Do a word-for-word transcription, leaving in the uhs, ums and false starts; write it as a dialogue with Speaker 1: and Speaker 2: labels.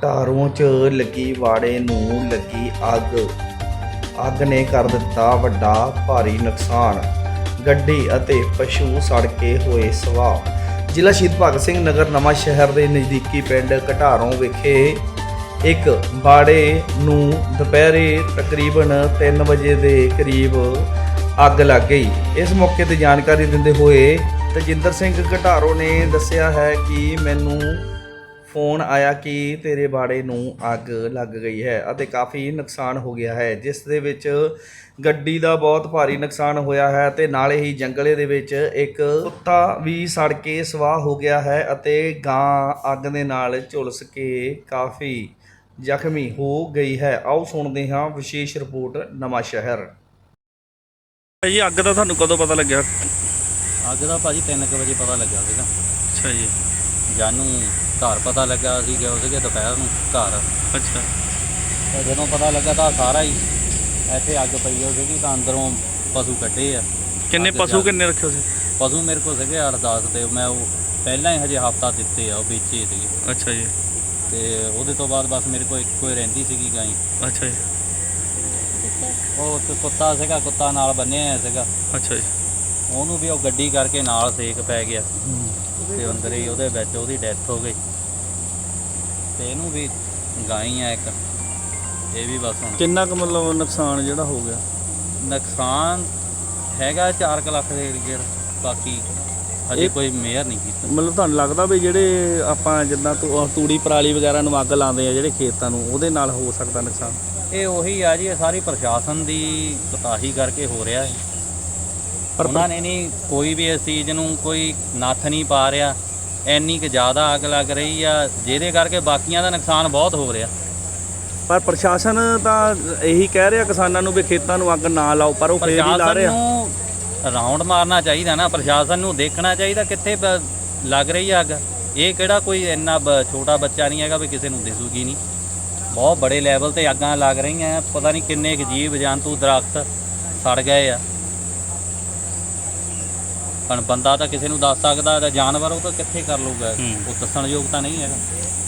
Speaker 1: ਘਟਾਰੋਂ 'ਚ ਲੱਗੀ ਵਾੜੇ ਨੂੰ ਲੱਗੀ ਅੱਗ ਅੱਗ ਨੇ ਕਰ ਦਿੱਤਾ ਵੱਡਾ ਭਾਰੀ ਨੁਕਸਾਨ। ਗੱਡੀ ਅਤੇ ਪਸ਼ੂ ਸੜ ਕੇ ਹੋਏ ਸਵਾਹ। ਜ਼ਿਲ੍ਹਾ ਸ਼ਹੀਦ ਭਗਤ ਸਿੰਘ ਨਗਰ ਨਵਾਂ ਸ਼ਹਿਰ ਦੇ ਨਜ਼ਦੀਕੀ ਪਿੰਡ ਘਟਾਰੋਂ ਵਿਖੇ ਇੱਕ ਬਾੜੇ ਨੂੰ ਦੁਪਹਿਰੇ ਤਕਰੀਬਨ ਤਿੰਨ ਵਜੇ ਦੇ ਕਰੀਬ ਅੱਗ ਲੱਗ ਗਈ। ਇਸ ਮੌਕੇ ਤੇ ਜਾਣਕਾਰੀ ਦਿੰਦੇ ਹੋਏ ਤਜਿੰਦਰ ਸਿੰਘ ਘਟਾਰੋਂ ਨੇ ਦੱਸਿਆ ਹੈ ਕਿ ਮੈਨੂੰ ਫੋਨ ਆਇਆ ਕਿ ਤੇਰੇ ਬਾੜੇ ਨੂੰ ਅੱਗ ਲੱਗ ਗਈ ਹੈ ਅਤੇ ਕਾਫੀ ਨੁਕਸਾਨ ਹੋ ਗਿਆ ਹੈ, ਜਿਸ ਦੇ ਵਿੱਚ ਗੱਡੀ ਦਾ ਬਹੁਤ ਭਾਰੀ ਨੁਕਸਾਨ ਹੋਇਆ ਹੈ ਤੇ ਨਾਲੇ ਹੀ ਜੰਗਲੇ ਦੇ ਵਿੱਚ ਇੱਕ ਕੁੱਤਾ ਵੀ ਸੜ ਕੇ ਸਵਾਹ ਹੋ ਗਿਆ ਹੈ ਅਤੇ ਗਾਂ ਅੱਗ ਦੇ ਨਾਲ ਝੁਲਸ ਕੇ ਕਾਫੀ ਜ਼ਖਮੀ ਹੋ ਗਈ ਹੈ। ਆਓ ਸੁਣਦੇ ਹਾਂ ਵਿਸ਼ੇਸ਼ ਰਿਪੋਰਟ ਨਵਾਂ ਸ਼ਹਿਰ।
Speaker 2: ਜੀ ਅੱਗ ਦਾ ਤੁਹਾਨੂੰ ਕਦੋਂ ਪਤਾ ਲੱਗਿਆ?
Speaker 3: ਅੱਗ ਦਾ ਭਾਜੀ ਤਿੰਨ ਕੁ ਵਜੇ ਪਤਾ ਲੱਗਿਆ ਸੀਗਾ।
Speaker 2: ਅੱਛਾ ਜੀ।
Speaker 3: ਜਾਨੂੰ ਘਰ ਪਤਾ ਲੱਗਾ, ਅਸੀਂ ਗਏ ਸੀਗੇ ਦੁਪਹਿਰ ਨੂੰ ਘਰ।
Speaker 2: ਅੱਛਾ।
Speaker 3: ਤਾਂ ਜਦੋਂ ਪਤਾ ਲੱਗਾ ਤਾਂ ਸਾਰਾ ਹੀ ਇੱਥੇ ਅੱਗ ਪਈ ਹੋ ਸੀਗੀ ਤਾਂ ਅੰਦਰੋਂ ਪਸ਼ੂ ਕੱਢੇ ਆ।
Speaker 2: ਕਿੰਨੇ ਪਸ਼ੂ ਕਿੰਨੇ ਰੱਖੇ ਸੀ?
Speaker 3: ਪਸ਼ੂ ਮੇਰੇ ਕੋਲ ਸੀਗੇ ਅੱਠ ਦਸ ਤੇ ਮੈਂ ਉਹ ਪਹਿਲਾਂ ਹੀ ਹਜੇ ਹਫਤਾ ਦਿੱਤੇ ਆ, ਉਹ ਵੇਚੇ ਸੀਗੇ।
Speaker 2: ਅੱਛਾ ਜੀ।
Speaker 3: ਤੇ ਉਹਦੇ ਤੋਂ ਬਾਅਦ ਬਸ ਮੇਰੇ ਕੋਲ ਇੱਕੋ ਹੀ ਰਹਿੰਦੀ ਸੀਗੀ ਗਾਂ।
Speaker 2: ਅੱਛਾ ਜੀ।
Speaker 3: ਉਹ ਇੱਕ ਕੁੱਤਾ ਸੀਗਾ, ਕੁੱਤਾ ਨਾਲ ਬੰਨਿਆ ਹੋਇਆ ਸੀਗਾ।
Speaker 2: ਅੱਛਾ ਜੀ।
Speaker 3: ਉਹਨੂੰ ਵੀ ਉਹ ਗੱਡੀ ਕਰਕੇ ਨਾਲ ਸੇਕ ਪੈ ਗਿਆ ਤੇ ਅੰਦਰ ਹੀ ਉਹਦੇ ਵਿੱਚ ਉਹਦੀ ਡੈਥ ਹੋ ਗਈ। ਤੇ ਇਹਨੂੰ ਵੀ ਗਾਂ ਹੀ ਆ ਇੱਕ, ਇਹ ਵੀ ਬਸ ਹੁਣ
Speaker 2: ਕਿੰਨਾ ਕੁ ਮਤਲਬ ਨੁਕਸਾਨ ਜਿਹੜਾ ਹੋ ਗਿਆ?
Speaker 3: ਨੁਕਸਾਨ ਹੈਗਾ ਚਾਰ ਕੁ ਲੱਖ ਦੇ ਏਰੀਏ, ਬਾਕੀ ਹਜੇ ਕੋਈ ਮੇਅਰ ਨਹੀਂ ਕੀਤਾ।
Speaker 2: ਮਤਲਬ ਤੁਹਾਨੂੰ ਲੱਗਦਾ ਵੀ ਜਿਹੜੇ ਆਪਾਂ ਜਿੱਦਾਂ ਤੂ- ਤੂੜੀ ਪਰਾਲੀ ਵਗੈਰਾ ਨੂੰ ਅੱਗ ਲਾਉਂਦੇ ਆ ਜਿਹੜੇ ਖੇਤਾਂ ਨੂੰ, ਉਹਦੇ ਨਾਲ ਹੋ ਸਕਦਾ ਨੁਕਸਾਨ?
Speaker 3: ਇਹ ਉਹੀ ਆ ਜੀ, ਇਹ ਸਾਰੀ ਪ੍ਰਸ਼ਾਸਨ ਦੀ ਕੋਤਾਹੀ ਕਰਕੇ ਹੋ ਰਿਹਾ ਹੈ।
Speaker 2: ਪਰ
Speaker 3: ਉਹਨਾਂ ਨੇ ਨਹੀਂ ਕੋਈ ਵੀ ਇਸ ਚੀਜ਼ ਨੂੰ ਕੋਈ ਨੱਥ ਨਹੀਂ ਪਾ ਰਿਹਾ। ਇੰਨੀ ਕੁ ਜ਼ਿਆਦਾ ਅੱਗ ਲੱਗ ਰਹੀ ਆ ਜਿਹਦੇ ਕਰਕੇ ਬਾਕੀਆਂ ਦਾ ਨੁਕਸਾਨ ਬਹੁਤ ਹੋ ਰਿਹਾ।
Speaker 2: ਪਰ ਪ੍ਰਸ਼ਾਸਨ ਤਾਂ ਇਹੀ ਕਹਿ ਰਿਹਾ ਕਿਸਾਨਾਂ ਨੂੰ ਵੀ ਖੇਤਾਂ ਨੂੰ ਅੱਗ ਨਾ ਲਾਓ, ਪਰ ਉਹ ਫੇਰ ਹੀ ਲਾ
Speaker 3: ਪ੍ਰਸ਼ਾਸਨ
Speaker 2: ਰਿਹਾ।
Speaker 3: ਨੂੰ ਰਾਉਂਡ ਮਾਰਨਾ ਚਾਹੀਦਾ ਨਾ, ਪ੍ਰਸ਼ਾਸਨ ਨੂੰ ਦੇਖਣਾ ਚਾਹੀਦਾ ਕਿੱਥੇ ਬ- ਲੱਗ ਰਹੀ ਆ ਅੱਗ। ਇਹ ਕਿਹੜਾ ਕੋਈ ਇੰਨਾ ਬ- ਛੋਟਾ ਬੱਚਾ ਨਹੀਂ ਹੈਗਾ ਵੀ ਕਿਸੇ ਨੂੰ ਦਿਸੂਗੀ ਨਹੀਂ। ਬਹੁਤ ਬੜੇ ਲੈਵਲ ਤੇ ਅੱਗਾਂ ਲੱਗ ਰਹੀਆਂ, ਪਤਾ ਨਹੀਂ ਕਿੰਨੇ ਕੁ ਜੀਵ ਜੰਤੂ ਦਰਖਤ ਸੜ ਗਏ ਆ। ਪਰ ਬੰਦਾ ਤਾਂ ਕਿਸੇ ਨੂੰ ਦੱਸ ਸਕਦਾ, ਤਾਂ ਜਾਨਵਰ ਉਹ ਤਾਂ ਕਿੱਥੇ ਕਰ ਲੂਗਾ, ਉਹ ਦੱਸਣ ਯੋਗ ਤਾਂ ਨਹੀਂ ਹੈਗਾ।